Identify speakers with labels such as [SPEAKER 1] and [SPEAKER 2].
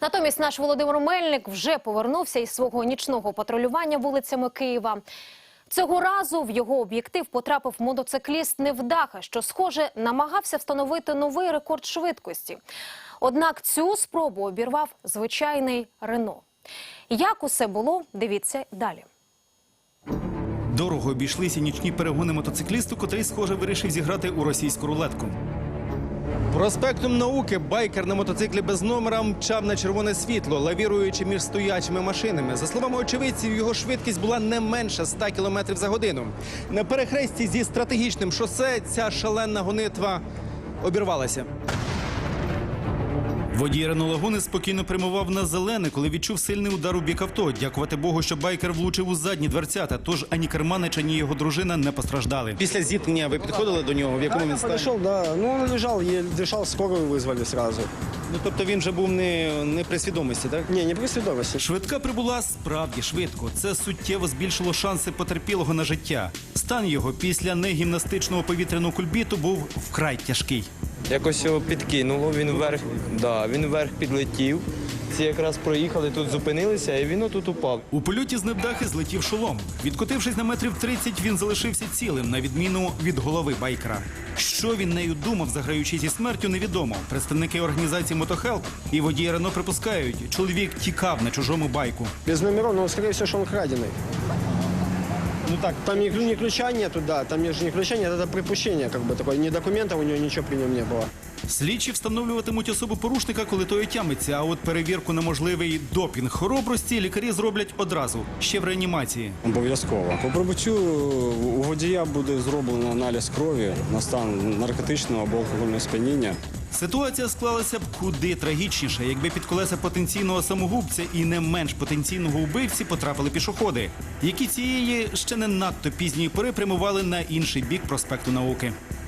[SPEAKER 1] Натомість наш Володимир Мельник вже повернувся із свого нічного патрулювання вулицями Києва. Цього разу в його об'єктив потрапив мотоцикліст невдаха, що, схоже, намагався встановити новий рекорд швидкості. Однак цю спробу обірвав звичайний Рено. Як усе було, дивіться далі.
[SPEAKER 2] Дорого обійшлися нічні перегони мотоциклісту, котрий, схоже, вирішив зіграти у російську рулетку. Проспектом Науки байкер на мотоциклі без номера мчав на червоне світло, лавіруючи між стоячими машинами. За словами очевидців, його швидкість була не менше 100 км за годину. На перехресті зі стратегічним шосе ця шалена гонитва обірвалася. Водій Рено Лагуни спокійно прямував на зелене, коли відчув сильний удар у бік авто. Дякувати Богу, що байкер влучив у задні дверцята, тож ані керманич, ані його дружина не постраждали. Після зіткнення ви підходили до нього? В якому він стані?
[SPEAKER 3] Подошел, да. Ну, он лежал, еле дышал, скорую вызвали сразу.
[SPEAKER 2] Ну, тобто він вже був не при свідомості, так?
[SPEAKER 3] Не при свідомості.
[SPEAKER 2] Швидка прибула справді швидко. Це суттєво збільшило шанси потерпілого на життя. Стан його після негімнастичного повітряного кульбіту був вкрай тяжкий.
[SPEAKER 4] Якось його підкинуло, він вверх підлетів. Ці якраз проїхали, тут зупинилися, і він отут упав.
[SPEAKER 2] У польоті з невдахи злетів шолом. Відкотившись на метрів 30, він залишився цілим, на відміну від голови байкера. Що він нею думав, заграючи зі смертю, невідомо. Представники організації «Мотохелп» і водії Рено припускають, чоловік тікав на чужому байку.
[SPEAKER 3] Без номеров, но, скорее всего, что он краденый.
[SPEAKER 2] Ну так,
[SPEAKER 3] Там ни ключа нету, да, там не ключа нет, это припущение, как бы такое. Ни документов у него, ничего при нем не было.
[SPEAKER 2] слідчі встановлюватимуть особу порушника, коли той отямиться, а от перевірку на можливий допінг хоробрості лікарі зроблять одразу, ще в реанімації.
[SPEAKER 5] Обов'язково. По прибуттю у водія буде зроблено аналіз крові на стан наркотичного або алкогольного сп'яніння.
[SPEAKER 2] Ситуація склалася б куди трагічніше, якби під колеса потенційного самогубця і не менш потенційного вбивці потрапили пішоходи, які цієї ще не надто пізньої пори прямували на інший бік проспекту Науки.